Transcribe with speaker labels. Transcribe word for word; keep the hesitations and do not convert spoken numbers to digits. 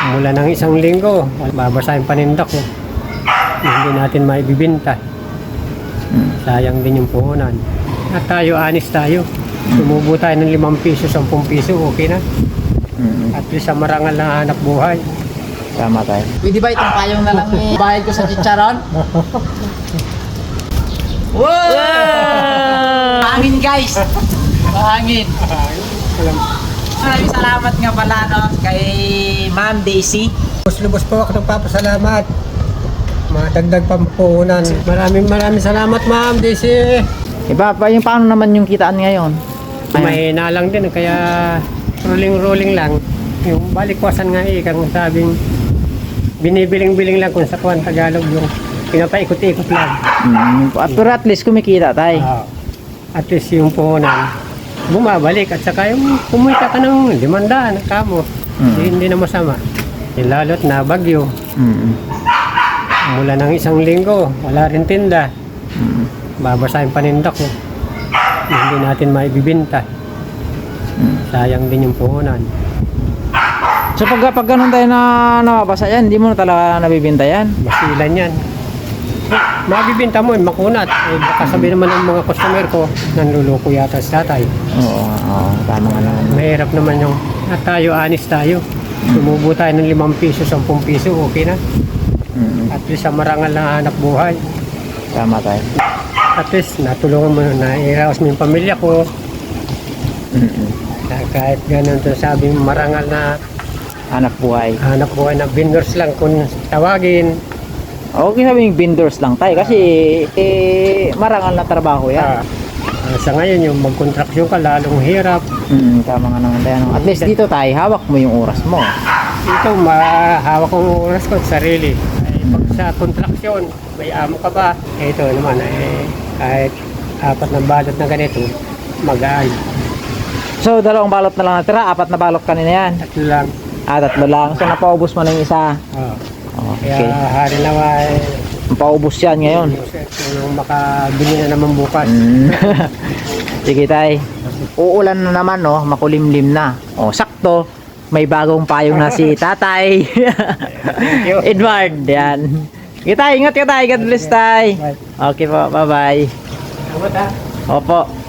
Speaker 1: Mula ng isang linggo, babasa yung panindak ko. Hindi natin maibibinta. Sayang din yung puhunan. At tayo, anis tayo. Sumubo tayo ng limang piso, sampung piso, okay na. At least sa marangal na hanap buhay.
Speaker 2: Tama tayo.
Speaker 3: Pwede ba itong payong na lang bayad ko sa chicharon? Wow! Hangin guys! Hangin! Maraming salamat nga pala no, kay Ma'am Daisy.
Speaker 1: Lubos-lubos po ako nagpapasalamat. Matagdag pampuhunan. Maraming maraming salamat, Ma'am Daisy.
Speaker 2: Iba pa yung paano naman yung kitaan ngayon?
Speaker 1: Mahina lang din, kaya rolling-rolling lang. Yung balikwasan nga eh, kung sabing binibiling-biling lang kung sa kuwan Tagalog yung pinapaikot-ikot lang.
Speaker 2: Mm, pero at least kumikita tayo.
Speaker 1: Uh, at least yung puhunan bumabalik at saka yung kumita ka ng limandaan ng kamo.
Speaker 2: Mm.
Speaker 1: Hindi, hindi na masama. Eh, lalo't na bagyo.
Speaker 2: Mm.
Speaker 1: Mula ng isang linggo, wala rin tinda.
Speaker 2: Mm.
Speaker 1: Babasa yung panindak ko. Hindi natin maibibinta.
Speaker 2: Mm.
Speaker 1: Sayang din yung puhunan.
Speaker 2: So pag, pag ganun tayo na nababasa yan, hindi mo na talaga nabibinta yan?
Speaker 1: Basilan yan. Eh, mabibinta mo, makunat. Eh, baka sabihin naman ng mga customer ko, nanluloko yata si tatay.
Speaker 2: Oo, oo, tama nga naman.
Speaker 1: Mahirap naman yung, at tayo, anis tayo. Sumubo tayo ng limang piso, sampung piso, okay na.
Speaker 2: Mm.
Speaker 1: At least sa marangal na hanap buhay.
Speaker 2: Tama tayo.
Speaker 1: At least natulungan mo na iraos mo yung pamilya ko.
Speaker 2: Mm.
Speaker 1: Na kahit ganun to sabing marangal na
Speaker 2: Hanap buhay.
Speaker 1: hanap buhay na vendors lang kung tawagin.
Speaker 2: Okay sabihin vendors lang tayo kasi eh, marangal na trabaho yan.
Speaker 1: Ah, ah, sa ngayon yung magkontraksyon ka lalong hirap.
Speaker 2: Mm, tama nga naman tayo. no? At least dito tayo, hawak mo yung oras mo.
Speaker 1: Ito mahawak kong oras ko sa sarili. Ay, pag sa kontraksyon, may amo ka ba? Eh, ito naman eh, kahit apat na balot na ganito, magaan.
Speaker 2: So dalawang balot na lang natira, apat na balot kanina yan.
Speaker 1: Tatlo lang.
Speaker 2: Ah, tatlo lang. So napaubos mo na yung isa.
Speaker 1: Ah.
Speaker 2: Okay.
Speaker 1: Kaya hari naman eh,
Speaker 2: Napaubos yan ngayon.
Speaker 1: kung makabili na naman bukas.
Speaker 2: Mm. Sige tay. Uulan na naman no, makulimlim na. Oh, sakto. May bagong payong na si tatay.
Speaker 1: you.
Speaker 2: Edward, yan. Sige tay, ingat ka tay. God bless tay. Okay po, bye bye.
Speaker 1: Salamat ha.
Speaker 2: Opo.